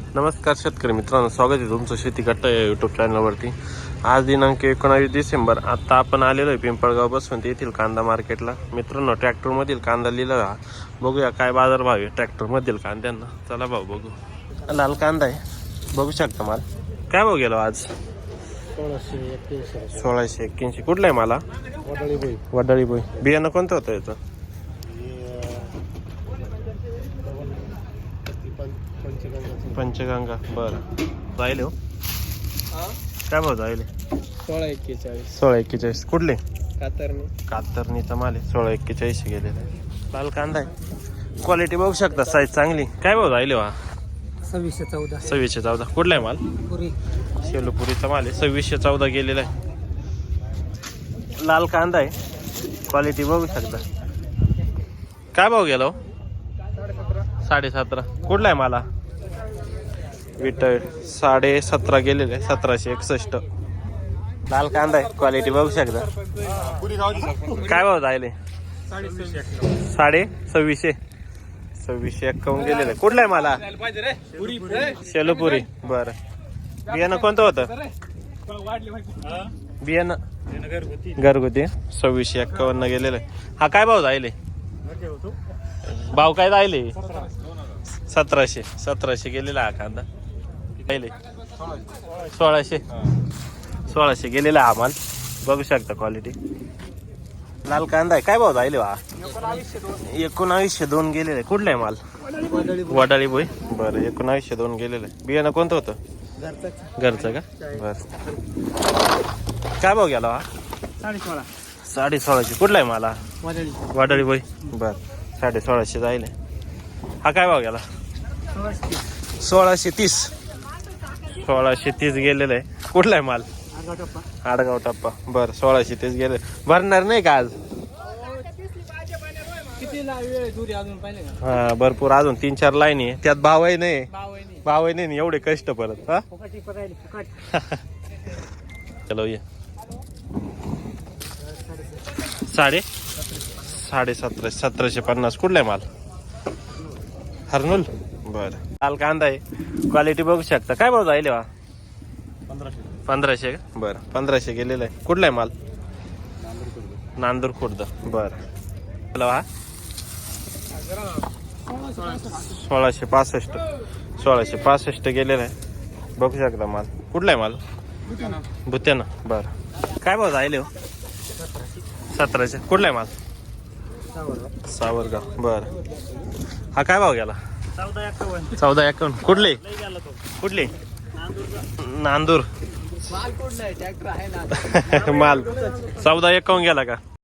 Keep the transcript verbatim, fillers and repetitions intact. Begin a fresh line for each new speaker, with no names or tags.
नमस्कार शेतकरी मित्रांनो, स्वागत आहे तुमचं शेती कट्टा या यूट्यूब चॅनलवरती। आज दिनांक एकोणावीस डिसेंबर। आता आपण आलेलो आहे पिंपळगाव बसवंत येथील कांदा मार्केटला। मित्रांनो, ट्रॅक्टरमधील कांदा लिहिला हा, बघूया काय बाजारभाव आहे ट्रॅक्टरमधील कांद्यांना। चला भाऊ बघू। लाल कांदा आहे, बघू शकता माल काय भाव गेलो आज?
सोळाशे एक्क्याऐंशी
सोळाशे एक्क्याऐंशी कुठला आहे मला?
वडाळी बोई
वडाळी बोई। बियाणं कोणतं होतं याचं?
पंचगंगा
पंचगंगा। बरं, जाईल हो काय भाव जाईल?
सोळा एक्केचाळीस
सोळा एक्केचाळीस कुठले?
कातरने
कातरणीचा माल आहे, सोळा एक्केचाळीस गेलेला आहे। लाल कांदा आहे, क्वालिटी बघू शकता, साईज चांगली। काय भाव राहिले वा?
सव्वीसशे चौदा
सव्वीसशे चौदा कुठला आहे माल?
पुरी
शेलूपुरीचा माल आहे, सव्वीसशे चौदा गेलेला आहे। लाल कांदा आहे, क्वालिटी बघू शकता। काय भाव गेला हो? साडे सतरा कुठला आहे मला? विठ्ठल साडे सतरा गेलेले आहे, सतराशे एकसष्ट। लाल कांदा आहे, क्वालिटी बघू शकता। काय भाव जायले? साडे सव्वीसशे सव्वीसशे एक्कावन्न गेलेलं आहे। कुठला आहे मला? शेलूपुरी। बरं, बियाणं कोणतं होतं? बियाणं घरगुती सव्वीसशे एक्कावन्न गेलेलं आहे। हा काय भाव जायले? भाव काय जायले? सतराशे सतराशे गेलेला हा कांदा। जायले सोळाशे सोळाशे गेलेला हा माल, बघू शकता क्वालिटी। लाल कांदा आहे, काय भाव जायले वा? एकोणावीसशे दोन गेलेले। कुठला आहे माल? वडाळी बोई। बरं, एकोणावीसशे दोन गेलेलं आहे। बियाणं कोणतं होतं? घरचं का? बरं, काय भाव गेला हा?
साडे सोळा
साडे सोळाशे कुठला आहे मला?
वडाळी
वडाळी बोई। बरं, साडे सोळाशे जायले। हा काय भाव गेला? सोळाशे तीस सोळाशे तीस गेलेलं आहे। कुठला आहे माल? आडगाव टप्पा। बरं, सोळाशे तीस गेले। भरणार नाही का आज? हा, भरपूर अजून तीन चार लाईन आहे, त्यात भावही नाही भावही नाही एवढे कष्ट परत। हा चलो ये साडे साडे सतराशे सतराशे पन्नास कुठला आहे माल? हरनूल। बरं, लाल कांदा आहे, क्वालिटी बघू शकता। काय भाव जायले वा? पंधराशे का? बरं, पंधराशे गेलेलं आहे। कुठला आहे माल? नांदूर खुर्द। बरं, हा सोळाशे पासष्ट सोळाशे पासष्ट गेलेलं आहे, बघू शकता माल। कुठला आहे माल? भुत्याना। बरं, काय भाव जायले हो? सतराशे कुठला आहे माल? सावरगाव। बरं, हा काय भाव गेला?
चौदा एक्कावन्न
चौदा एक्कावन्न कुठले कुठले? नांदूर। माल चौदा एक्कावन्न गेला का?